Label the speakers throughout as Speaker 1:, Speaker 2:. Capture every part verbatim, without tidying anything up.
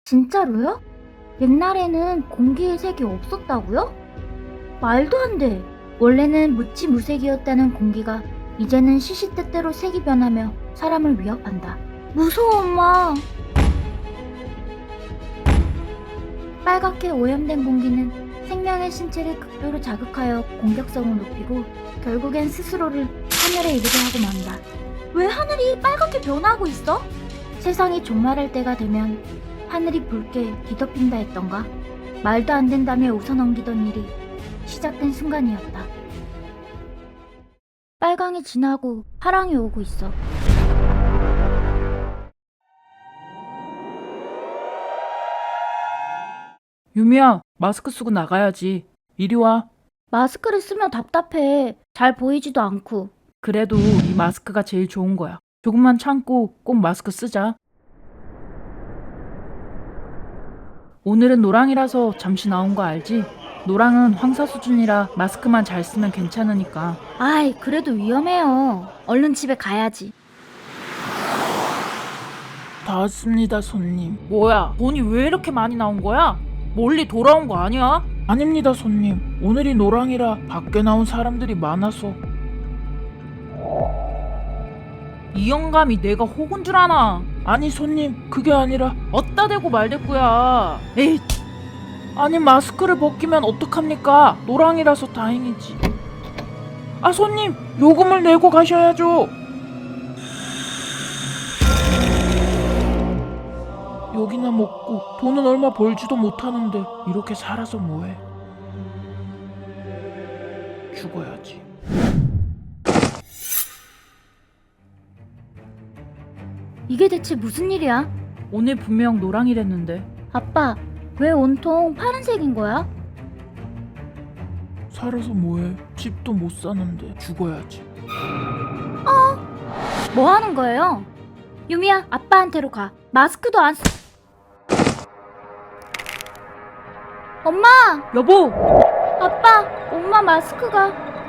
Speaker 1: 진짜로요? 옛날에는 공기의 색이 없었다고요? 말도 안 돼. 원래는 무치무색이었다는 공기가 이제는 시시때때로 색이 변하며 사람을 위협한다. 무서워, 엄마. 빨갛게 오염된 공기는 생명의 신체를 극도로 자극하여 공격성을 높이고 결국엔 스스로를 하늘에 이르게 하고 만다. 왜 하늘이 빨갛게 변하고 있어? 세상이 종말할 때가 되면 하늘이 붉게 뒤덮인다 했던가? 말도 안 된다며 웃어넘기던 일이 시작된 순간이었다. 빨강이 지나고 파랑이 오고 있어.
Speaker 2: 유미야, 마스크 쓰고 나가야지. 이리 와.
Speaker 1: 마스크를 쓰면 답답해. 잘 보이지도 않고.
Speaker 2: 그래도 이 마스크가 제일 좋은 거야. 조금만 참고 꼭 마스크 쓰자. 오늘은 노랑이라서 잠시 나온 거 알지? 노랑은 황사 수준이라 마스크만 잘 쓰면 괜찮으니까.
Speaker 1: 아이, 그래도 위험해요. 얼른 집에 가야지.
Speaker 2: 다 왔습니다, 손님. 뭐야, 돈이 왜 이렇게 많이 나온 거야? 멀리 돌아온 거 아니야? 아닙니다, 손님. 오늘이 노랑이라 밖에 나온 사람들이 많아서. 이 영감이 내가 혹은 줄 아나? 아니, 손님, 그게 아니라 어따 대고 말대꾸야. 에이, 아니 마스크를 벗기면 어떡합니까? 노랑이라서 다행이지. 아, 손님, 요금을 내고 가셔야죠. 여기나 먹고 돈은 얼마 벌지도 못하는데 이렇게 살아서 뭐해? 죽어야지.
Speaker 1: 이게 대체 무슨 일이야?
Speaker 2: 오늘 분명 노랑이랬는데.
Speaker 1: 아빠, 왜 온통 파란색인 거야?
Speaker 2: 살아서 뭐해? 집도 못 사는데 죽어야지.
Speaker 1: 뭐 하는 거예요? 유미야, 아빠한테로 가. 마스크도 안 쓰... 엄마!
Speaker 2: 여보!
Speaker 1: 아빠! 엄마 마스크가...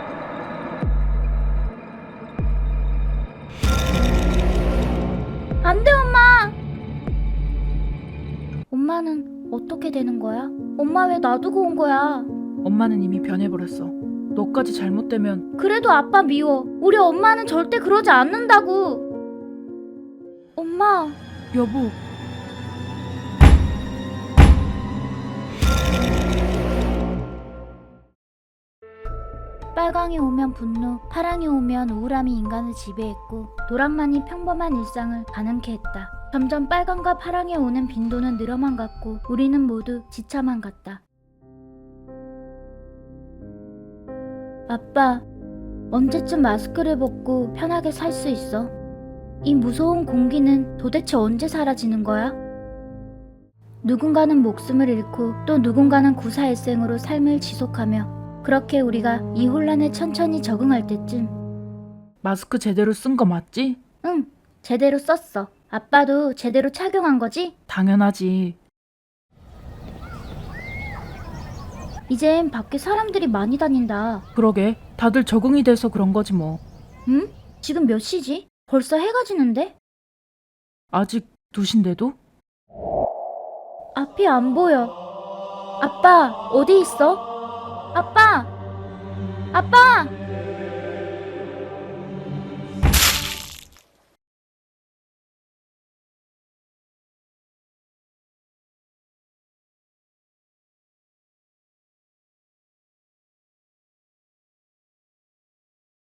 Speaker 1: 안 돼, 엄마! 엄마는 어떻게 되는 거야? 엄마 왜 놔두고 온 거야?
Speaker 2: 엄마는 이미 변해버렸어. 너까지 잘못되면.
Speaker 1: 그래도 아빠 미워. 우리 엄마는 절대 그러지 않는다고. 엄마,
Speaker 2: 여보.
Speaker 1: 빨강이 오면 분노, 파랑이 오면 우울함이 인간을 지배했고 노랑만이 평범한 일상을 가능케 했다. 점점 빨강과 파랑이 오는 빈도는 늘어만 갔고 우리는 모두 지쳐만 갔다. 아빠, 언제쯤 마스크를 벗고 편하게 살 수 있어? 이 무서운 공기는 도대체 언제 사라지는 거야? 누군가는 목숨을 잃고 또 누군가는 구사일생으로 삶을 지속하며 그렇게 우리가 이 혼란에 천천히 적응할 때쯤
Speaker 2: 마스크 제대로 쓴 거 맞지?
Speaker 1: 응, 제대로 썼어. 아빠도 제대로 착용한 거지?
Speaker 2: 당연하지.
Speaker 1: 이젠 밖에 사람들이 많이 다닌다.
Speaker 2: 그러게, 다들 적응이 돼서 그런 거지 뭐.
Speaker 1: 응? 지금 몇 시지? 벌써 해가 지는데?
Speaker 2: 아직 두 시인데도?
Speaker 1: 앞이 안 보여. 아빠, 어디 있어? 아빠! 아빠!